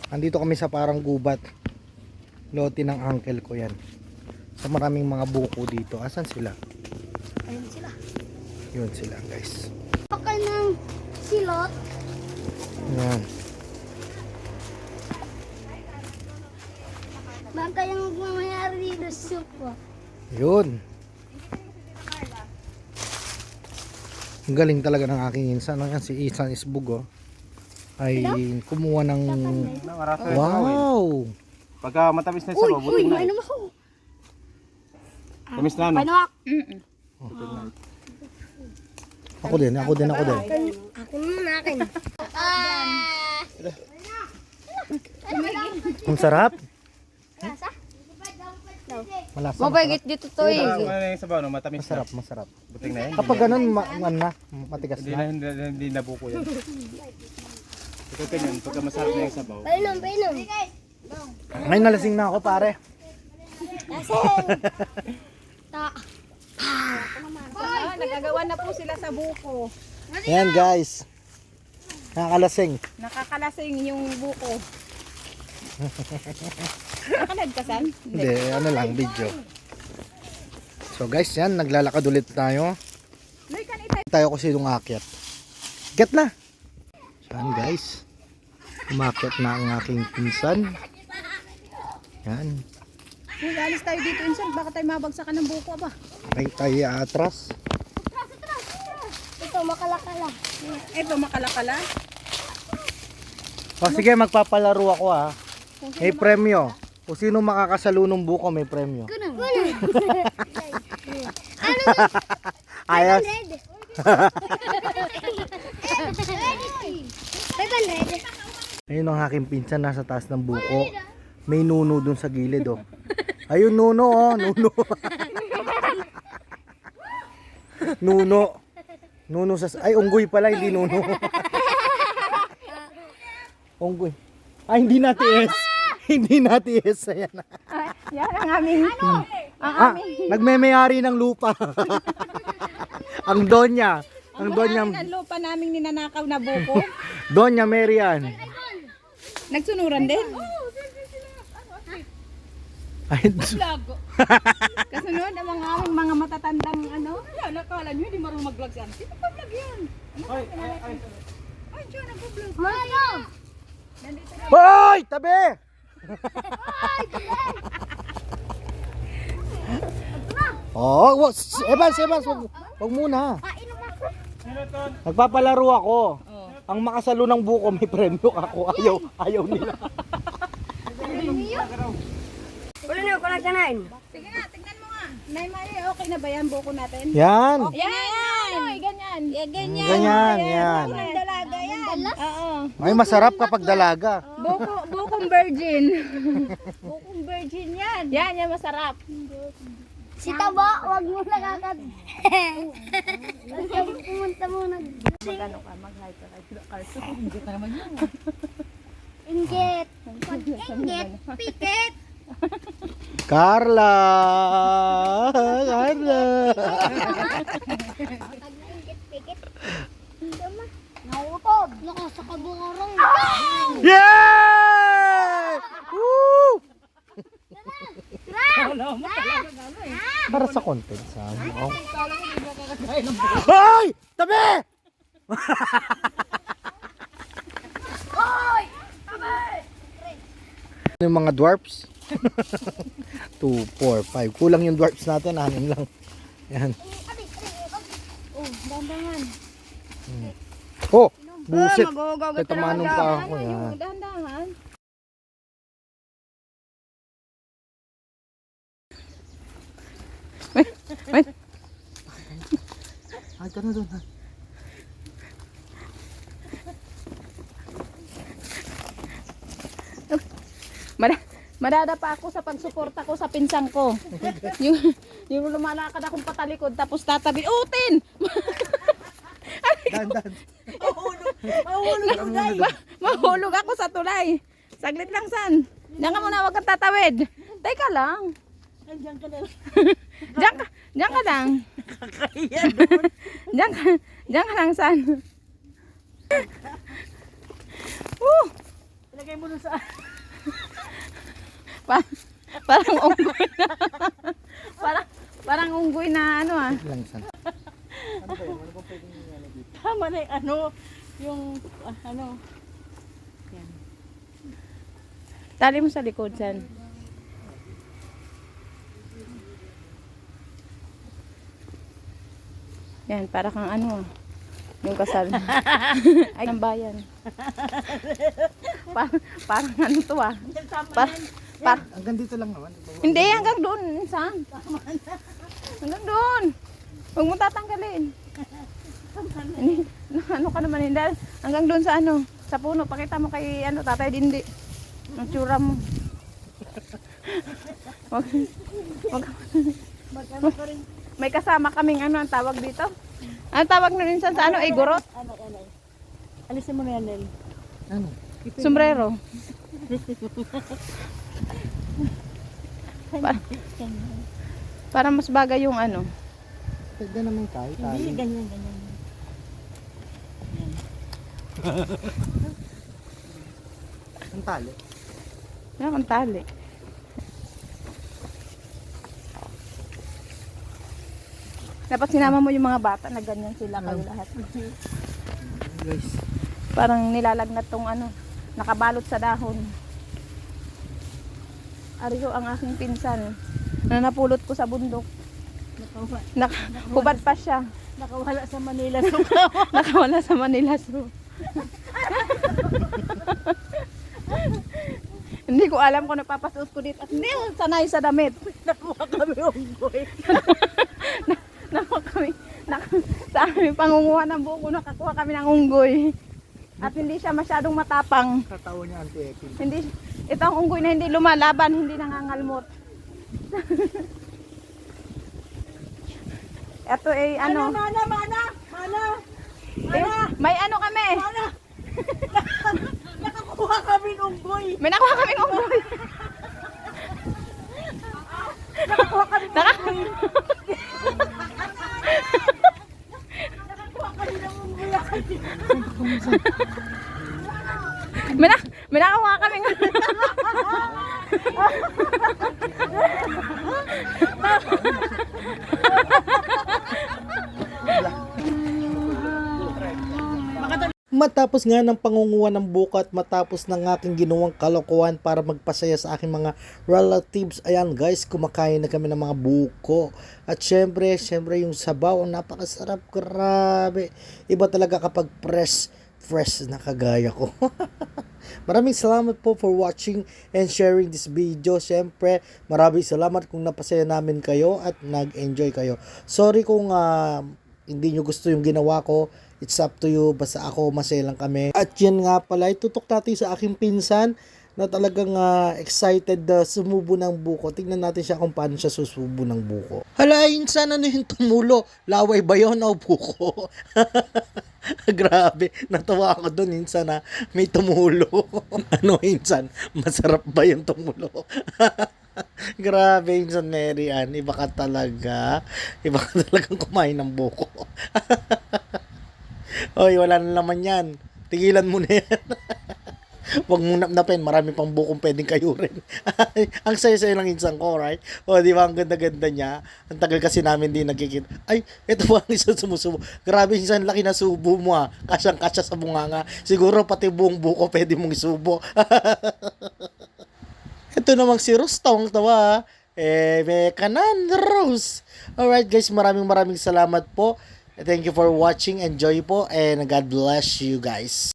Andito kami sa parang gubat. Lote ng uncle ko yan. Sa maraming mga buko dito. Asan sila? Ayun sila. Yun sila guys. Okay ng silot. Yan. Baka yung mamayari dito sa supo. Yun. Ang galing talaga ng aking insan. Yan si Isan Isbug ay kumuha ng wow. Pagka matamis na yung sabaw, buting na. Ano ako? Tamis na ano? Panak! Ako din. Akin muna, akin. Ang sarap. Lasa? Malasa. Mabagit dito to eh. Ano na yung sabaw, no? Matamis na. Masarap. Buting na yan. Kapag ganun, matigas Hindi na. na, hindi na buko yan. Ito ganyan, pagka masarap na yung sabaw. Painom. Ngayon nalasing na ako pare. Nagagawa na po sila sa buko. Ayan guys. Nakakalasing. Nakakalasing yung buko. Nakalagkasan? Hindi, ano lang, video. So guys, yan, naglalakad ulit tayo. Tayo kasi yung akyat. Get na! Yan guys. Umakyat na ang aking pinsan. Yan. Alis tayo dito, Insan. Baka tayo mabagsakan ng buko ba? Tayo atras. Ito, makalakala. Ito, makalakala. O sige, magpapalaro ako ha. May premyo. Kung sino makakasalo ng buko, may premyo. Kuno. Ayos. 500. Ayun ang aking pinsan nasa taas ng buko. May nuno dun sa gilid oh. Ayun nuno oh, nuno. Nuno. Nuno sa ay unggoy pala, hindi nuno. Unggoy. Ay hindi natiis. Hindi natiis ayan. Yan ang aming... Nagmemayari ng lupa. Ang Donya. Ang Donya. Ang lupa naming ninanakaw na buko. Donya Marian. Nagsunuran din. Ay, Kasunod ang mga aming mga matatandang ano. Nakala nyo, hindi marunong mag-vlog yan. Sino pa vlog yan? Ay, dyan, nag-vlog. Mano! hoy! Tabi! Oh, Evans, wag muna. Nagpapalaro ako. Ang makasalo ng buko may premyo ako. Ayaw nila. Wala na, wala ka nain. Sige nga, tignan mo nga. Nay, okay na ba yan buko natin? Yan. Yan! Ganyan. Ganyan. Ganyan, yan. Dalaga yan. Oo. Ay, masarap kapag dalaga. Bukong virgin. Bukong virgin yan. Yan masarap. Si Taba, wag mo nakakad. Pumunta muna. Magano ka, mag-hi ka kay Carson. Hindi ka naman yun. Inggit. Inggit. Pikit. Carla! Inggit, pikit. Nautob. Nako, sa kabukarong. Yay! Woo! Para sa content sa ano. Hoy! Tabi! Yung mga dwarfs. 2, 4, 5. Kulang yung dwarfs natin, 6 lang. Yan. Oh, dandangan. Oh, buset. Magugagat Ito manong pa ako. Yan. Dahan-dahan. Wait. Ay, ka na doon. Madadapa ako sa pagsuporta ko sa pinsang ko. yung lumalakad akong patalikod tapos tatabi. Utin! Dan. Mahulog ako sa tulay. Saglit lang, San. Diyan ka muna, wag kang tatawid. Teka lang. Diyan ka na. Diyan ka lang. Diyan ka lang, San. Lagay mo nun sa... Parang unggoy na. Parang unggoy na ano ah. Lang san. Tama na yung ano, yung ano. Yan. Tali mo sa likod, San. Yan, para kang ano ah. Yung kasal. Ay, ang bayan. Parang ano to ah. Hanggang dito lang naman. Hindi, hanggang doon. San? Hanggang doon. Huwag mo tatanggalin. Hindi, ano ka naman hindi. Hanggang doon sa ano, sa puno. Pakita mo kay ano, Tatay Dindi. Ang tsura mo. May kasama kaming ano, ang tawag dito. Ang tawag na rin sa ano, ay gurot. Alisin mo na yan, Nel. Ano? Sombrero. Para mas bagay yung ano. Pwede naman tayo. Hindi, ganyan, ganyan. Ang tali. Yan ang tali. Dapat sinama mo yung mga bata na ganyan sila kayo lahat. Guys. Parang nilalagnat tong ano, nakabalot sa dahon. Ariyo ang aking pinsan na napulot ko sa bundok. Hubad pa siya. Nakawala sa Manila. So, Nakawala sa Manila Zoo. Hindi ko alam kung napapasuot ko dito. At hindi ako sanay sa damit. nakuha kami unggoy. Sa aming pangunguha ng buko, nakakuha kami ng unggoy. At hindi siya masyadong matapang. Katawa niya anti-epic. Hindi, ito ang unggoy na hindi lumalaban, hindi nangangalmot. Ito ay ano, Mana! eh, may ano kami. Nakakuha kami ng unggoy. May nakuha kaming unggoy. Nakakuha kami ng unggoy. May nakuha kaming Matapos nga ng pangunguha ng buko at matapos ng aking ginawang kalokohan para magpasaya sa aking mga relatives, ayan guys, kumakain na kami ng mga buko. At syempre yung sabaw, napakasarap, grabe. Iba talaga kapag fresh na kagaya ko. Maraming salamat po for watching and sharing this video. Syempre, maraming salamat kung napasaya namin kayo at nag-enjoy kayo. Sorry kung hindi nyo gusto yung ginawa ko. It's up to you. Basta ako, masaya lang kami. At yan nga pala, itutok natin sa aking pinsan na talagang excited sumubo ng buko. Tingnan natin siya kung paano siya susubo ng buko. Hala, insan, ano yung tumulo? Laway ba yun o buko? Grabe, natawa ako doon insan na may tumulo. Ano insan, masarap ba yung tumulo? Grabe insan Mary Ann, iba ka talaga. Iba ka talagang kumain ng buko. Oy, wala na naman yan. Tigilan mo na yan. Huwag mo napnapin, marami pang bukong pwedeng kayo rin. Ang saya-saya lang insan ko, right? O, di ba? Ang ganda-ganda niya. Ang tagal kasi namin din nagkikita. Ay, ito ba ang isang sumusubo? Grabe insan, laki na subo mo ha. Kasyang-kasya sa bunganga. Siguro pati buong buko pwede mong isubo. Ito namang si Rose, tawang-tawa. May kanan, Rose. Alright guys, maraming salamat po. Thank you for watching. Enjoy po and God bless you guys.